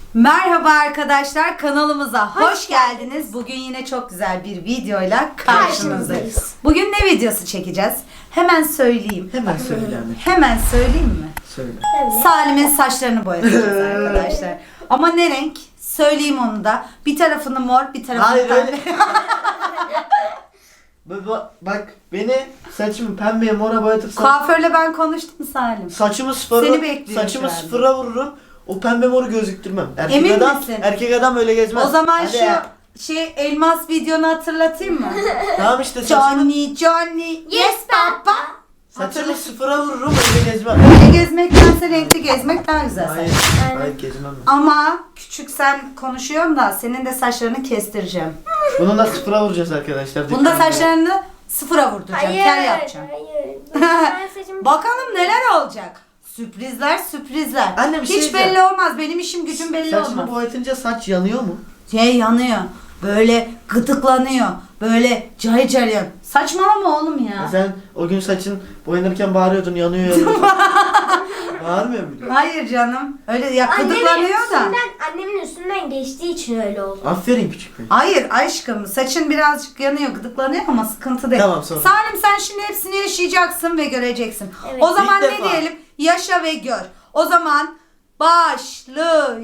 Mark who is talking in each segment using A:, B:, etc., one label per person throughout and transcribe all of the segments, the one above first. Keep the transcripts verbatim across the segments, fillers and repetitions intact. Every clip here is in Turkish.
A: Merhaba arkadaşlar, kanalımıza hoş, hoş geldiniz. geldiniz. Bugün yine çok güzel bir videoyla karşınızdayız. Bugün ne videosu çekeceğiz? Hemen söyleyeyim.
B: Hemen söyle anne.
A: Hemen söyleyeyim mi?
B: Söyle.
A: Salim'in saçlarını boyayacağız arkadaşlar. Ama ne renk? Söyleyeyim onu da. Bir tarafını mor, bir tarafını
B: Hayır,
A: pembe.
B: öyle. Bak, bak beni saçımı pembeye mora boyatırsan
A: Kuaförle ben konuştum Salim.
B: saçımı sıfıra,
A: Seni bekliyor
B: saçımı
A: şu anda.
B: sıfıra vururum. O pembe moru gözüktürmem. Erkek
A: Emin
B: adam,
A: misin?
B: Erkek adam öyle gezmez.
A: O zaman
B: Hadi
A: şu
B: ya.
A: şey elmas videonu hatırlatayım mı?
B: Tamam işte saçımı,
A: Johnny Johnny yes papa.
B: saçımı sıfıra vururum öyle gezmem.
A: Öyle gezmektense renkli gezmek daha güzel.
B: Hayır,
A: saç.
B: hayır gezmem ben.
A: Ama küçük sen konuşuyorsun da senin de saçlarını kestireceğim.
B: Bunu da sıfıra vuracağız arkadaşlar.
A: Bunda
B: Dikkat edin.
A: saçlarını sıfıra vurduracağım. Kel yapacağım.
C: Hayır. Ben saçımı...
A: Bakalım neler olacak. Sürprizler sürprizler.
B: Anne, bir şey
A: Hiç
B: diyeceğim.
A: belli olmaz. Benim işim gücüm belli
B: Saçımı
A: olmaz.
B: boyatınca saç yanıyor mu?
A: Şey yanıyor. Böyle gıdıklanıyor. Böyle cayır cayır. Saçmalama oğlum ya.
B: Ya sen o gün saçın boyanırken bağırıyordun yanıyor yanıyor. Bağırmıyor muydun?
A: Hayır canım. Öyle ya gıdıklanıyor
C: Annemin
A: da.
C: üstünden, annemin üstünden geçtiği için öyle oldu.
B: Aferin küçük bey.
A: Hayır aşkım saçın birazcık yanıyor gıdıklanıyor ama sıkıntı değil.
B: Tamam, sonra.
A: Salim sen şimdi hepsini yaşayacaksın ve göreceksin.
C: Evet.
A: O zaman
B: İlk
A: ne
B: defa.
A: diyelim? Yaşa ve gör. O zaman başlayalım.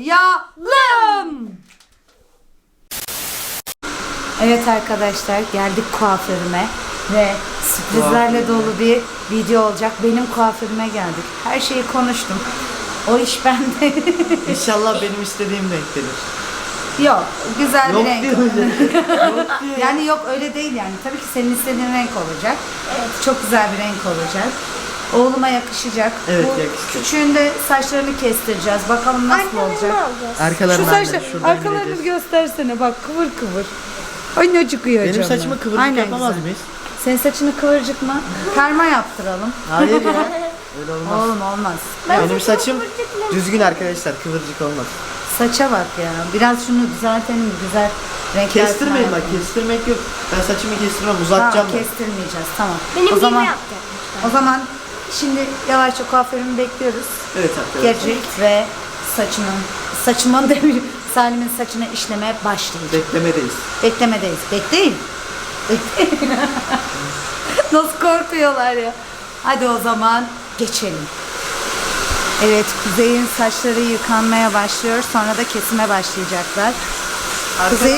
A: Evet arkadaşlar geldik kuaförüme ve sürprizlerle dolu bir video olacak. Benim kuaförüme geldik. Her şeyi konuştum. O iş bende.
B: İnşallah benim istediğim renk gelir.
A: Yok güzel
B: Yok
A: bir renk.
B: diyor öyle. Yok diyor.
A: Yani yok öyle değil yani. Tabii ki senin istediğin renk olacak. Evet. Çok güzel bir renk olacak. Oğluma yakışacak.
B: Evet,
A: Bu
B: yakışacak.
A: küçüğün de saçlarını kestireceğiz. Bakalım nasıl
C: Arkalarını
A: olacak.
C: alacağız.
B: Arkalarını
A: Şu
B: anne,
A: saçlar,
B: şuradan
A: arkalarını
B: gireceğiz.
A: göstersene bak kıvır kıvır. Ay ne çıkıyor
B: Benim
A: canım.
B: saçımı kıvırcık
A: Aynen
B: yapamaz
A: güzel.
B: mıyız?
A: Senin saçını kıvırcık mı? Perma yaptıralım.
B: Hayır ya. Öyle olmaz.
A: Oğlum olmaz.
B: Benim saçım düzgün arkadaşlar, kıvırcık olmaz.
A: Saça bak ya. Biraz şunu düzeltelim. Güzel renkler.
B: Kestirmeyin
A: falan
B: bak,
A: yapalım.
B: kestirmek yok. Ben saçımı kestirmem,
A: Tamam,
B: uzatacağım ben.
A: kestirmeyeceğiz. Tamam.
C: Benim
A: o
C: gibi
A: zaman
C: yaptı.
A: o zaman şimdi yavaşça kuaförümü bekliyoruz.
B: Evet arkadaşlar.
A: Gelecek ve saçımın saçımın demir Salim'in saçını işlemeye başlayacak.
B: Beklemedeyiz.
A: Beklemedeyiz. Bekleyin. Bekleyin. Nasıl korkuyorlar ya. Hadi o zaman geçelim. Evet, Kuzey'in saçları yıkanmaya başlıyor. Sonra da kesime başlayacaklar. Kuzey,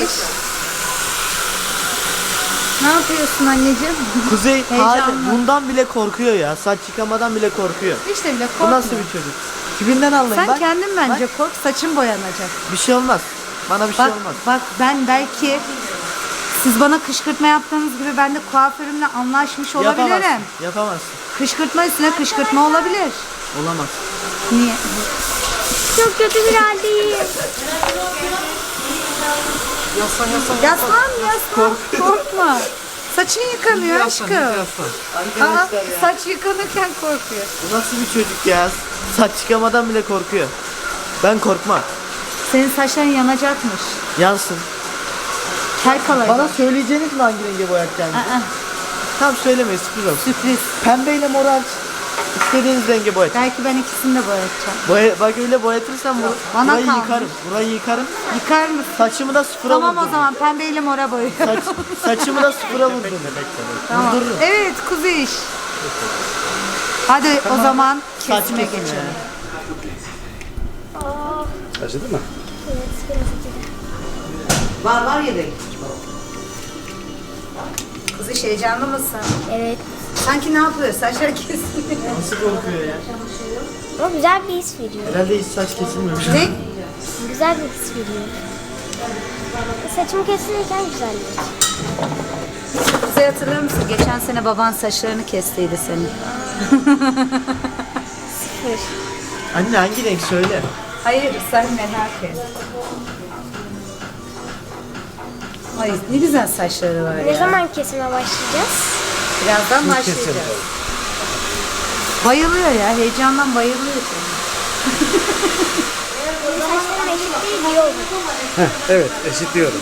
A: ne yapıyorsun anneciğim?
B: Kuzey
A: Heyecanlı.
B: hala bundan bile korkuyor ya. Saç yıkamadan bile korkuyor.
A: İşte bile
B: Bu
A: korkma.
B: nasıl bir çocuk? Tipinden anlayın.
A: Sen
B: bak.
A: kendin bence
B: Bak,
A: kork, saçın boyanacak.
B: bir şey olmaz. Bana bir şey
A: Bak,
B: olmaz.
A: bak ben belki siz bana kışkırtma yaptığınız gibi ben de kuaförümle anlaşmış olabilirim.
B: Yapamazsın. Yapamazsın.
A: Kışkırtma üstüne kışkırtma olabilir.
B: Olamaz.
A: Niye?
C: Çok kötü bir haldeyim.
B: Yaslan yaslan.
A: Yaslan yaslan. Korkma. Saçın yıkanıyor aşkım. Aa,
B: Arkadaşlar ya.
A: saç yıkanırken korkuyor.
B: Bu nasıl bir çocuk ya? Saç yıkamadan bile korkuyor. Ben korkmam.
A: Senin saçların yanacakmış.
B: Yansın.
A: Kel kalacak.
B: Bana söyleyeceğiniz mi hangi renge boyatacağını?
A: Aa,
B: Tam söylemeyin, sürpriz olsun.
A: sürpriz.
B: Pembeyle mor hariç istediğiniz renge boyat.
A: Belki ben ikisini de boyatacağım.
B: Boya, bak öyle boyatırsam bu,
A: Bana
B: burayı
A: kalmış.
B: yıkarım. Burayı yıkarım.
A: Yıkar mısın?
B: Saçımı da sıfıra
A: Tamam o
B: vurdururum.
A: zaman pembeyle mora boyuyorum.
B: Saç, saçımı da sıfıra vurdururum.
A: Tamam.
B: Vurdururum.
A: Evet Kuzey iş. Hadi o zaman
B: Saç
A: kesime
B: kesimi
A: geçelim.
B: yani.
D: Acıdı mı?
C: Evet, biraz acıdı.
A: Var var yedek. Kuzey heyecanlı mısın?
C: Evet.
A: Sanki ne yapıyor? Saçları kesiliyor.
B: Nasıl korkuyor ya?
C: Ama güzel bir his veriyor.
B: Herhalde hiç saç kesilmemiş.
A: Ne?
C: Güzel bir his veriyor. Saçım kesilirken güzeldi.
A: Kuzey hatırlıyor musun? Geçen sene baban saçlarını kestiydi senin.
C: Sıfır.
B: Anne hangi renk söyle.
A: Hayır sen merak et. Ay ne güzel saçları var
C: Ne
A: ya.
C: zaman kesime başlayacağız?
A: Birazdan başlayacağız. Bayılıyor ya. Heyecandan bayılıyor.
C: Saçlarım eşit değil, iyi oldu.
D: Heh, evet, eşitliyorum.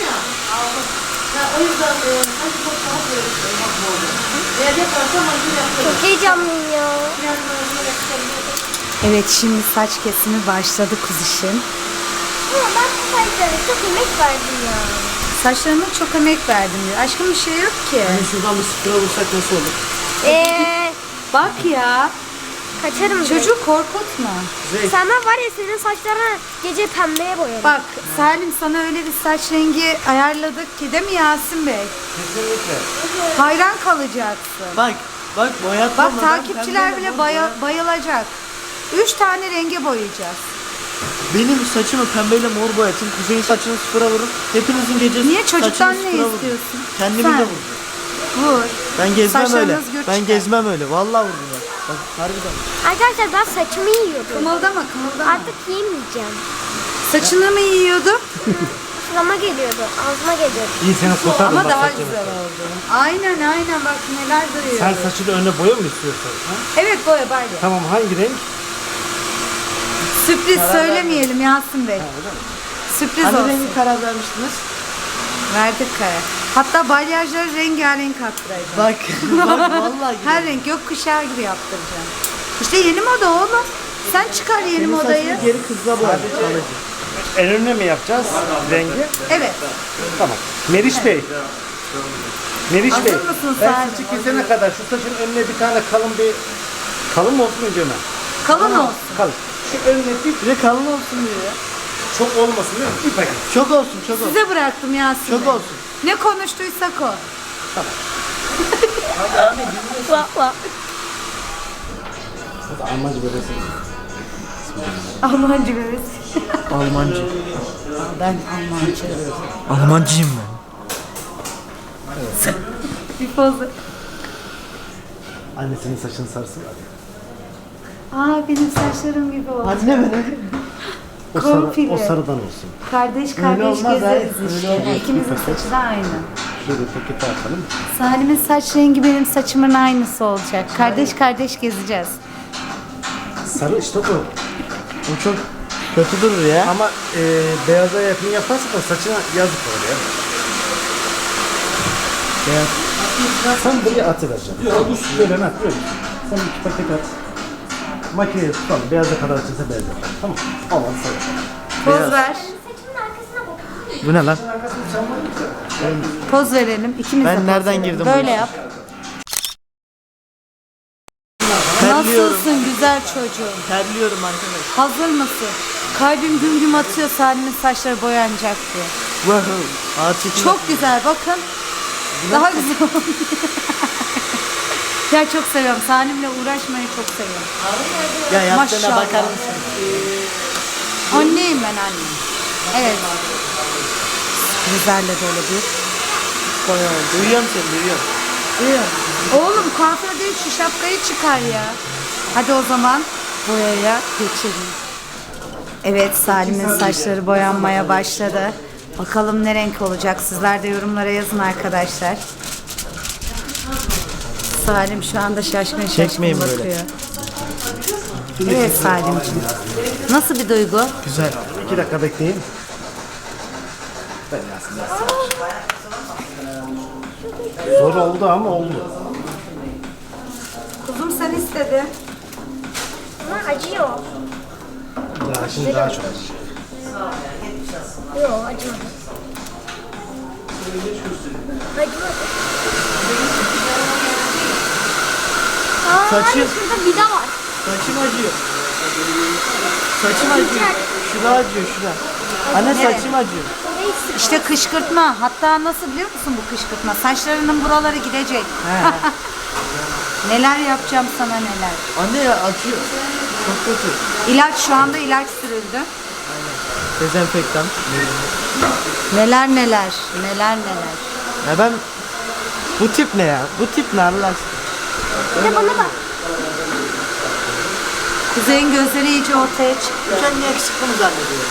C: Çok heyecanlıyım ya.
A: Evet şimdi saç kesimi başladı kuzişim.
C: Ama ben bu saçlara çok emek verdim ya.
A: Saçlarıma çok emek verdim diyor. Aşkım bir şey yok ki.
B: Hani şuradan bir sıfıra vursak nasıl olur?
C: Eee
A: Bak ya.
C: kaçarım.
A: Çocuğu korkutma.
B: Zey.
C: Senden var ya senin saçlarına gece pembeye boyarım.
A: Bak Salim sana öyle bir saç rengi ayarladık ki değil mi Yasin Bey?
B: Kesinlikle.
A: Hayran kalacaksın.
B: Bak. Bak boyatma.
A: Bak takipçiler bile baya- bayılacak. Üç tane renge boyayacağız.
B: Benim saçımı pembeyle mor boyatın. Kuzey'in saçını sıfıra vurun. Hepinizin gecesi
A: Niye çocuktan
B: saçını
A: ne
B: sıfıra vurun.
A: istiyorsun?
B: Kendimi
A: Sen.
B: de vuracağım.
A: Vur.
B: Ben gezmem
A: Saçlarınız
B: öyle.
A: gür
B: Ben
A: çıkar.
B: gezmem öyle. Vallahi vurdum ben. Bak harbiden.
C: Arkadaşlar ben saçımı yiyordum.
A: Kımıldama kımıldama.
C: Artık yemeyeceğim.
A: Saçını mı yiyordun?
C: Şurama geliyordu. Ağzıma geliyordu.
D: İyi seni kurtardım
A: Ama
D: bak
A: daha
D: saçını.
A: güzel oldu. Aynen aynen bak neler duruyor.
D: Sen saçını önüne boya mı istiyorsun? Ha?
A: Evet boya bayla.
D: Tamam, hangi renk?
A: Sürpriz söylemeyelim Yasin Bey. Sürpriz
B: Hani
A: olsun.
B: rengi karar vermiştiniz?
A: Verdik karar. Hatta balyajları rengarenk attıracağım.
B: Bak. Bak vallahi
A: Her renk gökkuşağı gibi yaptıracağım. İşte yeni moda oğlum. Sen çıkar yeni
B: Senin
A: modayı.
B: saçını geri kızla boya.
D: En önüne mi yapacağız rengi?
A: Evet.
D: Tamam. Meriç Bey. Meriç
A: Hazır
D: Bey.
A: mısın
D: Ben
A: Salim?
D: saçı kesene kadar şu saçın önüne bir tane kalın bir... Kalın mı olsun önce mi?
A: Kalın olsun.
D: Kalın. Şu önüne bir
B: Bir de kalın olsun diyor ya.
D: çok olmasın değil mi? Bir paket.
B: Çok olsun çok olsun.
A: Size bıraktım Yasin
B: Çok
A: Bey.
B: olsun.
A: Ne konuştuysak o.
C: Vah vah.
D: Bu da Almanca böylesi.
A: Almancı bebesi.
B: Almancı.
A: Ben Almancı.
B: Almancıyım ben.
A: Bir poz.
D: Annesinin saçını sarsın.
A: Aa benim saçlarım gibi oldu.
B: Anne ben.
D: O, sarı,
A: Komple.
D: o sarıdan olsun.
A: Kardeş kardeş
B: olmaz
A: gezeriz
B: hayır,
A: işte.
B: öyle olmaz.
A: İkimizin saçı da aynı.
D: Şöyle paketi atalım.
A: Salim'in saç rengi benim saçımın aynısı olacak. Kardeş kardeş gezeceğiz.
D: Sarı işte bu.
B: O çok kötü durur ya.
D: Ama e, beyaza yakın yaparsak da saçına yazık olur ya.
B: Beyaz.
D: Sen buraya atıvereceksin. Yok, böyle ne atıyor? Sen iki paket at. Makineye tutalım. Beyaza kadar açılsa beyaz yapar. Tamam. Al al sarı.
A: Poz ver.
C: Saçımın arkasına bak.
B: Bu ne lan?
A: Poz verelim. İkimiz de
B: Ben
A: poz
B: nereden
A: verelim.
B: girdim bu
A: Böyle
B: işe?
A: yap.
B: Terliyorum.
A: Nasılsın güzel çocuğum?
B: Terliyorum arkadaş.
A: Hazır mısın? Kalbim güm güm atıyor Salim'in saçları boyanacak diye.
B: Wow. Ağaç
A: Çok güzel bakın. Daha güzel oldu. Ya çok seviyorum. Salim'le uğraşmayı çok seviyorum.
B: Ya yaptığına
A: Maşallah.
B: bakar mısın?
A: Anneyim ben anne. Evet. Sürprizlerle dolu bir boya oldu.
B: Duyuyorum seni duyuyorum.
A: Duyuyor musun? Oğlum kuaför değil şu şapkayı çıkar ya. Hadi o zaman boyaya geçelim. Evet Salim'in saçları boyanmaya başladı. Bakalım ne renk olacak. Sizler de yorumlara yazın arkadaşlar. Salim şu anda şaşkın şaşkın
B: Çekmeyin böyle.
A: bakıyor. Evet Salim'ciğim. Nasıl bir duygu?
B: Güzel.
D: İki dakika bekleyin. Zor oldu ama oldu.
A: Kuzum sen istedin.
C: Ama acıyor.
D: Daha şimdi daha çok acı.
C: Yok acımadı. Acımadı. Aa,
B: Saçı-
C: hani şurada vida var.
B: Saçım acıyor. Saçım acıyor. Şura acıyor şura. Anne
A: Nereye?
B: saçım acıyor.
C: Orayı sık.
A: İşte kışkırtma. Hatta nasıl biliyor musun bu kışkırtma? Saçlarının buraları gidecek. Neler yapacağım sana neler.
B: Anne ya acıyor. Çok kötü.
A: İlaç şu anda ilaç sürüldü.
B: Dezenfektan.
A: Neler neler. Neler neler.
B: Ya ben bu tip ne ya? Bu tip ne Allah aşkına?
C: Bir de bana bak.
A: Kuzey'in gözleri iyice ortaya çıktı.
B: Kendini yakışıklı mı zannediyorum?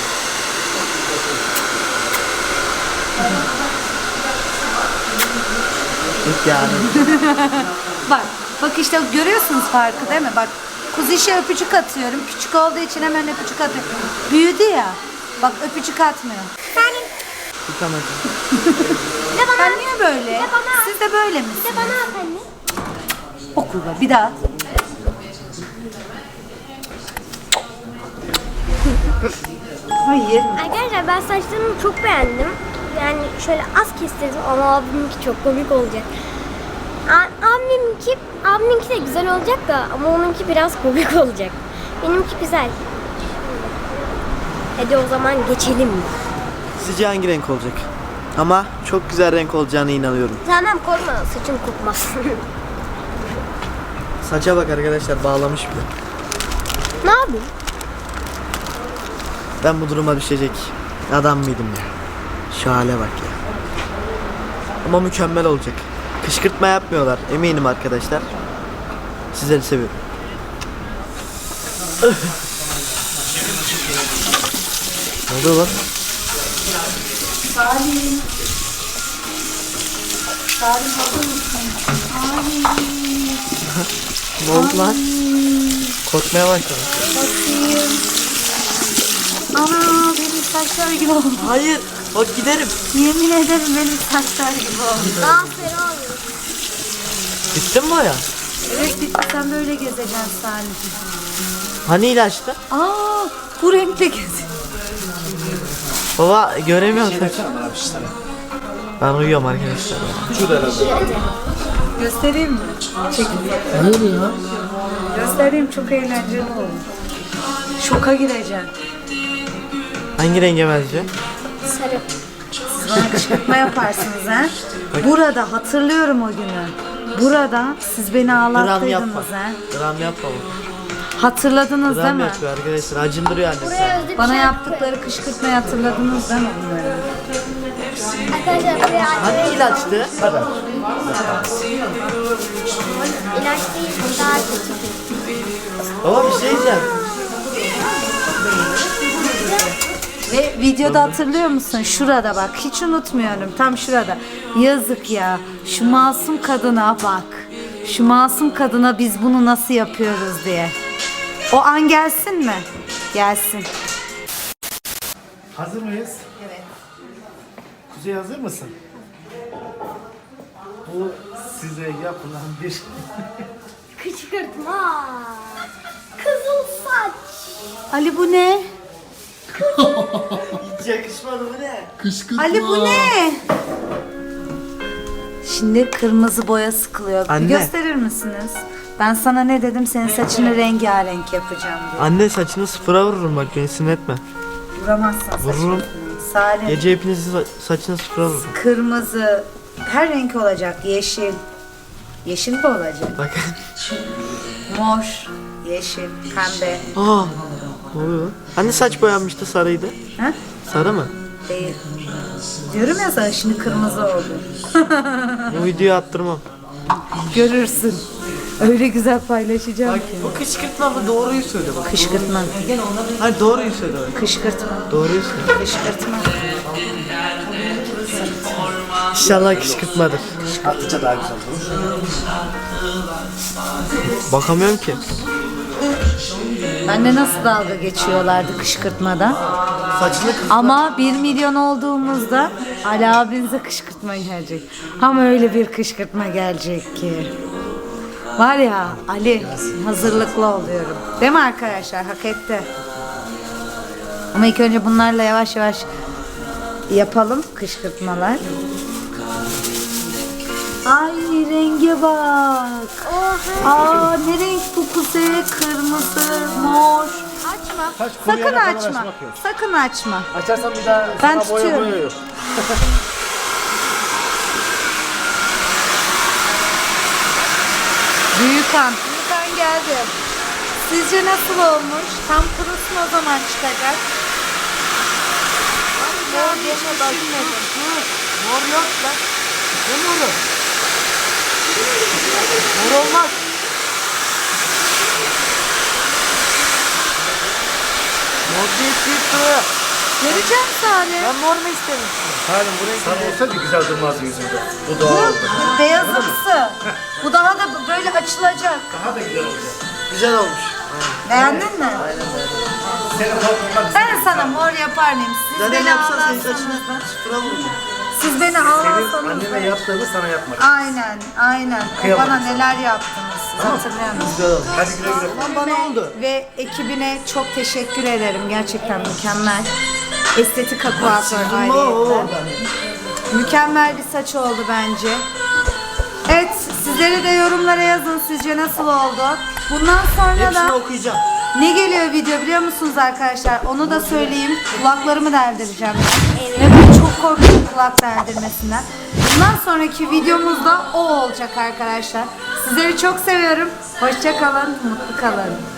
B: Yok yani.
A: Bak. Bak işte görüyorsunuz farkı değil mi? Bak Kuzey'e öpücük atıyorum. Küçük olduğu için hemen öpücük atıyorum. Büyüdü ya. Bak öpücük atmıyor.
C: Salim.
B: Tutamacım.
C: Bir de bana
A: Ben
C: at.
A: niye böyle?
C: bana.
A: Siz de böyle
C: Bir
A: misiniz?
C: de bana at anne.
A: Okulda bir daha. Hayır.
C: Arkadaşlar ben saçlarımı çok beğendim. Yani şöyle az kestirdim ama abiminki çok komik olacak. A- Abiminki, abiminki de güzel olacak da ama onunki biraz komik olacak. Benimki güzel. Hadi o zaman geçelim.
B: Sizce hangi renk olacak? Ama çok güzel renk olacağına inanıyorum.
C: Tamam korkma saçım kokmaz.
B: Saça bak arkadaşlar, bağlamış bile.
C: Ne yapayım?
B: Ben bu duruma düşecek adam mıydım ya? Şu hale bak ya. Ama mükemmel olacak. Kışkırtma yapmıyorlar eminim arkadaşlar. Sizleri seviyorum. Ne oluyor lan?
A: Salim. Salim hazır mısın?
B: Ne oldu lan? Korkmaya başladım.
A: Bakayım. Ana benim saçlar gibi oldu.
B: Hayır, bak giderim.
A: Yemin ederim benim saçlar gibi oldu.
C: Daha fena oluyor.
B: Gittin mi ya?
A: Evet bitti, sen böyle gezeceksin Salim.
B: Hani ilaçtı?
A: Aa bu renkle geziyor.
B: Baba göremiyorum. Ben uyuyorum arkadaşlar.
A: Göstereyim mi? Çekin.
B: Hayır ya.
A: Göstereyim, çok eğlenceli oldu. Şoka gireceğim.
B: Hangi renge benziyor?
C: Sarı.
A: Siz bana kışkırtma yaparsınız ha. Burada hatırlıyorum o günü. Burada siz beni
B: Gram yapma.
A: ağlattıydınız ha.
B: Gram yapma.
A: Hatırladınız değil
B: Gram
A: mi?
B: yapıyor arkadaşlar. Acındırıyor annesi.
C: Buraya özlü bir
A: Bana
C: şey
A: yaptıkları kışkırtmayı hatırladınız değil mi bunları?
C: Arkadaşlar buraya
B: Hangi ilaçtı?
C: ilaç değil daha kötü.
B: Baba bir şey diyeceğim.
A: Ve videoda hatırlıyor musun? Şurada bak, hiç unutmuyorum, tam şurada. Yazık ya, şu masum kadına bak. Şu masum kadına biz bunu nasıl yapıyoruz diye. O an gelsin mi? Gelsin.
D: Hazır mıyız?
A: Evet.
D: Kuzey hazır mısın? Bu size yapılan bir
C: Kışkırtma. Kızıl saç.
A: Ali bu ne?
B: Hiç yakışmadı bu ne?
A: Ali bu ne? Şimdi kırmızı boya sıkılıyor. Bir
B: Anne.
A: gösterir misiniz? Ben sana ne dedim? Senin saçını rengarenk yapacağım diye.
B: Anne saçını sıfıra vururum bak, beni sinir etme.
A: Vuramazsın saçını.
B: Vururum.
A: Salim.
B: Gece hepinizin sa- saçını sıfıra vururum.
A: Kırmızı, her renk olacak. Yeşil. Yeşil de olacak.
B: Bak.
A: Mor, yeşil, pembe.
B: Aa. Ne oluyor lan? Hani saç boyanmıştı, sarıydı.
A: Ha?
B: Sarı mı?
A: Değil. Diyorum ya sana, şimdi kırmızı oldu.
B: Bu videoyu attırmam.
A: Görürsün. Öyle güzel paylaşacağım ki.
B: Bu kışkırtma mı? Doğruyu söyle bak.
A: Kışkırtma.
B: Hayır doğruyu söyle. bak.
A: Kışkırtma.
B: Doğruyu söyle.
A: Kışkırtma.
B: İnşallah kışkırtmadır.
D: attıkça daha güzel olur.
B: Bakamıyorum ki.
A: Benle nasıl dalga geçiyorlardı kışkırtmadan.
B: Saçını kız.
A: Ama bir milyon olduğumuzda Ali abinize kışkırtma gelecek. Ama öyle bir kışkırtma gelecek ki. Var ya Ali, hazırlıklı oluyorum. Değil mi arkadaşlar? Hak etti. Ama ilk önce bunlarla yavaş yavaş yapalım kışkırtmalar. Ay renge bak.
C: Oha.
A: Aa ne renk bu kuzey? Kırmızı, mor. Açma.
D: Saç
A: Sakın
D: kuruyana kadar
A: açma.
D: açmak yok.
A: Sakın açma.
D: Açarsan bir daha
A: Ben
D: sana boya
A: tutuyorum.
D: boya yok.
A: Büyükan. Büyükan geldi. Sizce nasıl olmuş? Tam kurusun, o zaman çıkacak. Mor düşünmedim.
B: Mor yok lan. Ne moru? Mor olmaz. Mor değil çıktı.
A: Göreceğim Salim.
B: Ben mor mu istemiştim?
D: Halim bu renk sana olsaydı güzel durmazdı yüzünde. Bu doğal oldu.
A: Beyazımsı. Bu daha da böyle açılacak.
D: Daha da güzel olacak.
B: Güzel olmuş.
A: Beğendin mi?
D: Senin korkutmak
A: Ben sana mor yapar mıyım? Siz
B: Zaten
A: beni
B: yapsan senin
A: ağlarsanız
B: saçını
A: da.
B: sıfıra vuracağım.
A: Siz beni
D: senin
A: ağlarsanız
D: anneme
A: da.
D: yaptığını sana yapmak.
A: Aynen, aynen. O
D: Kıyamam
A: bana
D: sana.
A: neler yaptınız siz hatırlıyor musunuz?
B: Güzel olmuş.
D: Hadi güle güle.
B: Lan bana oldu.
A: Ve ekibine çok teşekkür ederim. Gerçekten mükemmel. Estetika kuaför ayrıyette. Mükemmel bir saç oldu bence. Evet, sizleri de yorumlara yazın sizce nasıl oldu. Bundan sonra
B: Hepsini
A: da
B: okuyacağım.
A: ne geliyor video biliyor musunuz arkadaşlar? Onu da söyleyeyim. Kulaklarımı deldireceğim.
C: Evet.
A: Ve ben çok korkuyorum kulak deldirmesinden. Bundan sonraki videomuzda o olacak arkadaşlar. Sizleri çok seviyorum. Hoşça kalın, mutlu kalın.